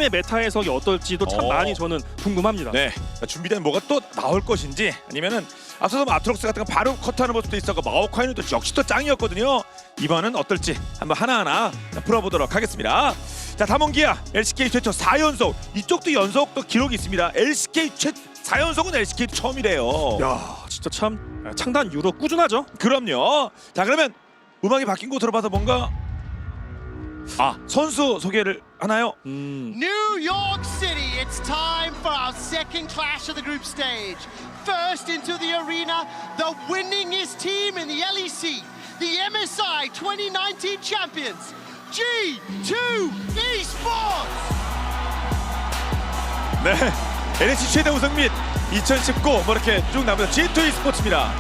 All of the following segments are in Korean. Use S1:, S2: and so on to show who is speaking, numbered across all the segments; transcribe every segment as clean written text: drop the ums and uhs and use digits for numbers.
S1: 팀의 메타 해석이 어떨지도 참 많이 저는 궁금합니다.
S2: 네, 준비된 뭐가 또 나올 것인지 아니면은 앞서서 아트록스 같은 거 바로 커트하는 모습도 있었고 마오카이는 또 역시 또 짱이었거든요. 이번은 어떨지 한번 하나하나 풀어보도록 하겠습니다. 자, 담원기아 LCK 최초 4연속, 이쪽도 연속 또 기록이 있습니다. LCK 4연속은 LCK 처음이래요.
S1: 야, 진짜 참 창단 이후로 꾸준하죠.
S2: 그럼요. 자, 그러면 음악이 바뀐 거 들어봐서 뭔가 선수 소개를 하나요?
S3: New York City, it's time for our second clash of the group stage. First into the arena, the winningest team in the LEC, the MSI 2019 champions, G2 Esports!
S2: 네, LEC 최대 우승 및 2019 뭐 이렇게 쭉 나오면서 G2 e스포츠입니다.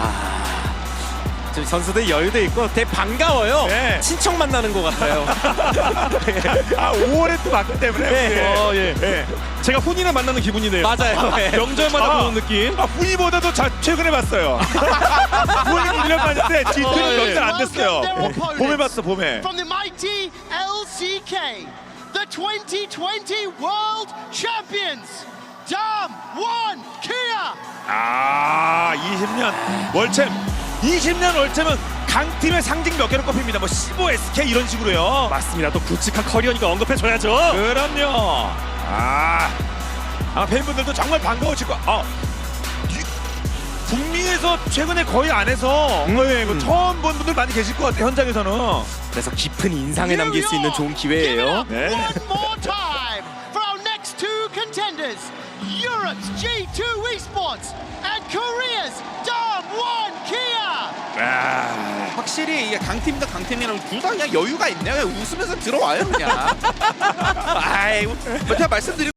S4: 지금 선수들 여유도 있고 되게 반가워요.
S2: 네.
S4: 친척 만나는 것 같아요.
S2: 5월에 또 맞기 때문에.
S4: 네.
S1: 예.
S2: 네.
S1: 제가 훈이랑 만나는 기분이네요.
S4: 맞아요. 네.
S1: 명절마다 보는 느낌.
S2: 훈이보다도 최근에 봤어요. 훈이는 1년 만인데 G2는
S1: 예.
S2: 몇 달 안 됐어요.
S3: Welcome their opponents.
S2: 봄에 봤어, 봄에.
S3: From the mighty LCK, the 2020 World Champions, Dam1 Kia!
S2: 20년 월챔. 20년 월챔은 강팀의 상징 몇 개를 꼽힙니다. 뭐 15 SK 이런 식으로요.
S1: 맞습니다. 또 굵직한 커리어니까 언급해줘야죠.
S2: 그럼요. 아마 팬분들도 정말 반가우실 거. 북미에서 최근에 거의 안 해서 이거 처음 본 분들 많이 계실 것 같아요. 현장에서는.
S4: 그래서 깊은 인상을 남길 수 있는 좋은 기회예요.
S2: 네.
S3: One more time for our next two contenders, Europe's G2 Esports and Korea's Dam1 Kia!
S5: 확실히 이게 강팀이다 강팀이랑 둘 다 그냥 여유가 있네요. 그냥 웃으면서 들어와요 그냥. 아이, 제가 말씀드린